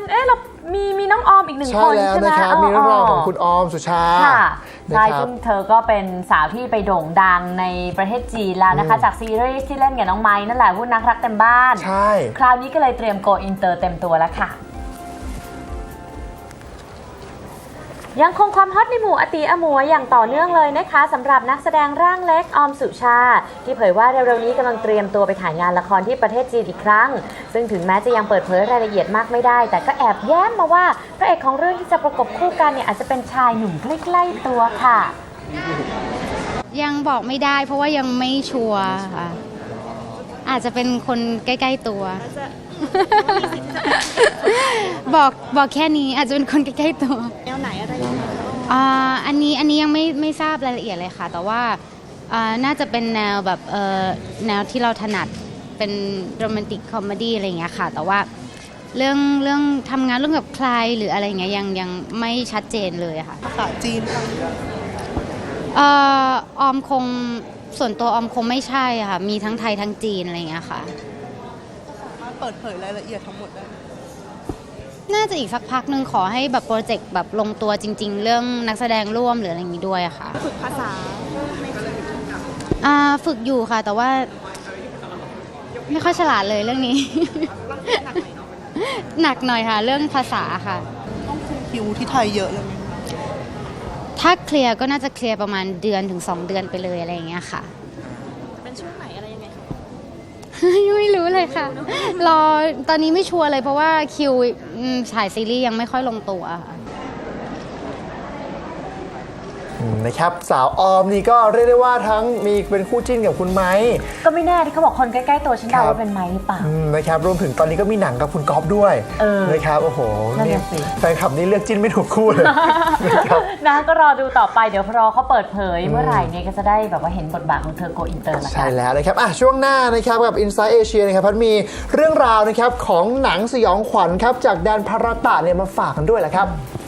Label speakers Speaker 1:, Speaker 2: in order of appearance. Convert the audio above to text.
Speaker 1: เรามีน้องออมอีกหนึ่งคนใช่ไหม
Speaker 2: นะครับมีเรื่องราวของคุณออมสุชา
Speaker 1: ค่ะใช่ซึ่งเธอก็เป็นสาวที่ไปโด่งดังในประเทศจีนแล้วนะคะจากซีรีส์ที่เล่นกับน้องไม้นั่นแหละวุ่นนักรักเต็มบ้าน
Speaker 2: ใช่
Speaker 1: คราวนี้ก็เลยเตรียมโกอินเตอร์เต็มตัวแล้วค่ะยังคงความฮอตในหมู่อตีอมวยอย่างต่อเนื่องเลยนะคะสำหรับนักแสดงร่างเล็กออมสุชาที่เผยว่าเร็วๆนี้กำลังเตรียมตัวไปถ่ายงานละครที่ประเทศจีนอีกครั้งซึ่งถึงแม้จะยังเปิดเผยรายละเอียดมากไม่ได้แต่ก็แอบแย้มมาว่าพระเอกของเรื่องที่จะประกบคู่กันเนี่ยอาจจะเป็นชายหนุ่มใกล้ๆตัวค่ะ
Speaker 3: ยังบอกไม่ได้เพราะว่ายังไม่ชัวร์ค่ะอาจจะเป็นคนใกล้ๆตัวบอกแค่นี้อาจจะเป็นคนใกล้ๆตัว
Speaker 4: แนวไหนอะไรยังไง
Speaker 3: อันนี้ยังไม่ทราบรายละเอียดเลยค่ะแต่ว่าน่าจะเป็นแนวแบบแนวที่เราถนัดเป็นโรแมนติกคอมเมดี้อะไรอย่างเงี้ยค่ะแต่ว่าเรื่องทำงานเรื่องกับใครหรืออะไรเงี้ยยังไม่ชัดเจนเลยค่ะ
Speaker 4: ภาษาจีน
Speaker 3: ออมคงส่วนตัวออมคงไม่ใช่ค่ะมีทั้งไทยทั้งจีนอะไรอย่างเงี้ยค่ะ
Speaker 4: สามารถเปิดเผยรายละเอียดทั้งหมดได้
Speaker 3: น่าจะอีกสักพักนึงขอให้แบบโปรเจกต์แบบลงตัวจริงๆเรื่องนักแสดงร่วมหรืออะไรอย่างนี้ด้วยอะค่ะ
Speaker 4: ฝึกภาษา
Speaker 3: ฝึกอยู่ค่ะแต่ว่าไม่ค่อยฉลาดเลยเรื่องนี้ หนักหน่อยค่ะเรื่องภาษาค่ะ
Speaker 4: ต้องคุมคิวที่ไทยเยอะเลย
Speaker 3: ถ้าเคลียร์ก็น่าจะเคลียร์ประมาณ1 เดือนถึง 2 เดือนไปเลยอะไรอย่างเงี้ยค่ะ
Speaker 4: เป็นช่วงไหนอะไรยังไงคะ
Speaker 3: ยังไม่รู้เลยค่ะรอตอนนี้ไม่ชัวร์เลยเพราะว่าคิวฉายซีรีส์ยังไม่ค่อยลงตัว
Speaker 2: นะครับสาวออมนี่ก็เรียกได้ว่าทั้งมีเป็นคู่จิ้นกับคุณไม้
Speaker 1: ก็ไม่แน่ที่เขาบอกคนใกล้ๆตัวฉันเดาว่าเป็นไม้หรือเปล่า
Speaker 2: นะครับรวมถึงตอนนี้ก็มีหนังกับคุณก๊อฟด้วยนะครับโอ้โหนี่แฟนคลับนี่เลือกจิ้นไม่ถูกคู่เลย
Speaker 1: นะก็รอดูต่อไปเดี๋ยวพอเขาเปิดเผยเมื่อไหร่เนี่ยก็จะได้แบบว่าเห็นบทบาทของเธอโกอินเตอร์แล้ว
Speaker 2: ใช่แล้วนะครับช่วงหน้านะครับกับ Inside Asia นะครับพัดมีเรื่องราวนะครับของหนังสยองขวัญครับจากแดนภารตะเนี่ยมาฝากกันด้วยแหละครับ